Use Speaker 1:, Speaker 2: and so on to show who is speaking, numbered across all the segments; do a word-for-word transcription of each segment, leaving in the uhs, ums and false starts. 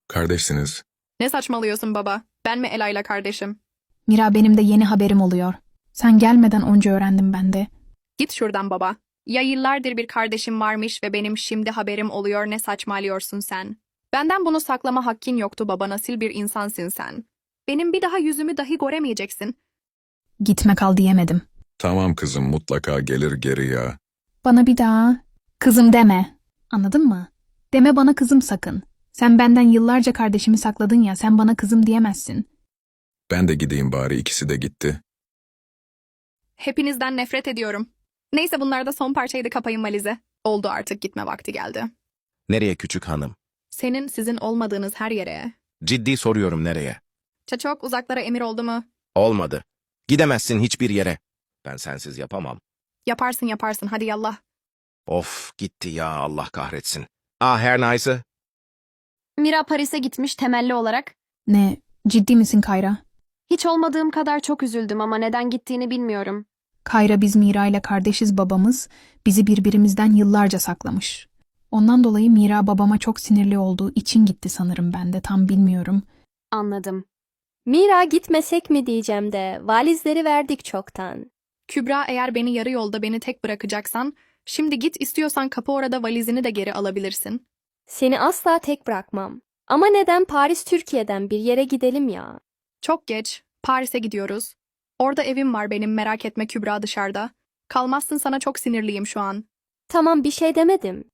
Speaker 1: Kardeşsiniz.
Speaker 2: Ne saçmalıyorsun baba? Ben mi Ela'yla kardeşim?
Speaker 3: Mira benim de yeni haberim oluyor. Sen gelmeden önce öğrendim ben de.
Speaker 2: Git şuradan baba. Ya yıllardır bir kardeşim varmış ve benim şimdi haberim oluyor, ne saçmalıyorsun sen? Benden bunu saklama hakkın yoktu baba, nasıl bir insansın sen? Benim bir daha yüzümü dahi göremeyeceksin.
Speaker 3: Gitme kal diyemedim.
Speaker 1: Tamam kızım, mutlaka gelir geri ya.
Speaker 3: Bana bir daha kızım deme. Anladın mı? Deme bana kızım sakın. Sen benden yıllarca kardeşimi sakladın ya, sen bana kızım diyemezsin.
Speaker 1: Ben de gideyim bari, ikisi de gitti.
Speaker 2: Hepinizden nefret ediyorum. Neyse, bunlar da son parçaydı, kapayın valizi. Oldu, artık gitme vakti geldi.
Speaker 4: Nereye küçük hanım?
Speaker 2: Senin sizin olmadığınız her yere.
Speaker 4: Ciddi soruyorum nereye?
Speaker 2: Çok uzaklara emir oldu mu?
Speaker 4: Olmadı. Gidemezsin hiçbir yere. Ben sensiz yapamam.
Speaker 2: Yaparsın yaparsın, hadi yallah.
Speaker 4: Of gitti ya, Allah kahretsin. Ah her neyse.
Speaker 5: Mira Paris'e gitmiş temelli olarak.
Speaker 3: Ne, ciddi misin Kayra?
Speaker 5: Hiç olmadığım kadar çok üzüldüm ama neden gittiğini bilmiyorum.
Speaker 3: Kayra, biz Mira ile kardeşiz, babamız bizi birbirimizden yıllarca saklamış. Ondan dolayı Mira babama çok sinirli olduğu için gitti sanırım, ben de tam bilmiyorum.
Speaker 5: Anladım.
Speaker 6: Mira gitmesek mi diyeceğim de valizleri verdik çoktan.
Speaker 2: Kübra, eğer beni yarı yolda beni tek bırakacaksan, şimdi git, istiyorsan kapı orada, valizini de geri alabilirsin.
Speaker 6: Seni asla tek bırakmam. Ama neden Paris Türkiye'den bir yere gidelim ya?
Speaker 2: Çok geç, Paris'e gidiyoruz. Orada evim var benim, merak etme Kübra, dışarıda. Kalmazsın, sana çok sinirliyim şu an.
Speaker 6: Tamam, bir şey demedim.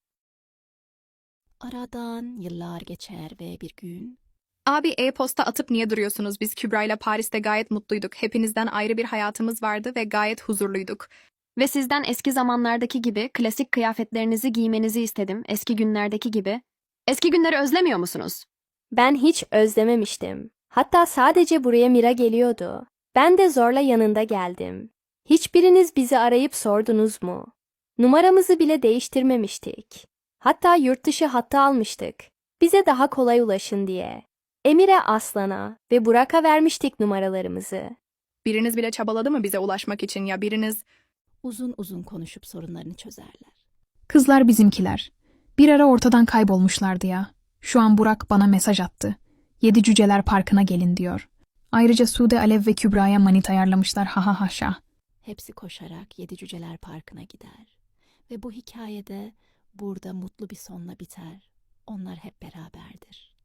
Speaker 7: Aradan yıllar geçer ve bir gün
Speaker 2: Abi, e-posta atıp niye duruyorsunuz? Biz Kübra'yla Paris'te gayet mutluyduk. Hepinizden ayrı bir hayatımız vardı ve gayet huzurluyduk.
Speaker 5: Ve sizden eski zamanlardaki gibi klasik kıyafetlerinizi giymenizi istedim. Eski günlerdeki gibi. Eski günleri özlemiyor musunuz?
Speaker 6: Ben hiç özlememiştim. Hatta sadece buraya Mira geliyordu. Ben de zorla yanında geldim. Hiçbiriniz bizi arayıp sordunuz mu? Numaramızı bile değiştirmemiştik. Hatta yurt dışı hattı almıştık. Bize daha kolay ulaşın diye. Emir'e, Aslan'a ve Burak'a vermiştik numaralarımızı.
Speaker 2: Biriniz bile çabaladı mı bize ulaşmak için, ya biriniz...
Speaker 7: uzun uzun konuşup sorunlarını çözerler.
Speaker 3: Kızlar bizimkiler. Bir ara ortadan kaybolmuşlardı ya. Şu an Burak bana mesaj attı. Yedi Cüceler Parkı'na gelin diyor. Ayrıca Sude, Alev ve Kübra'ya manit ayarlamışlar, ha ha haşa.
Speaker 7: Hepsi koşarak Yedi Cüceler Parkı'na gider. Ve bu hikayede burada mutlu bir sonla biter. Onlar hep beraberdir.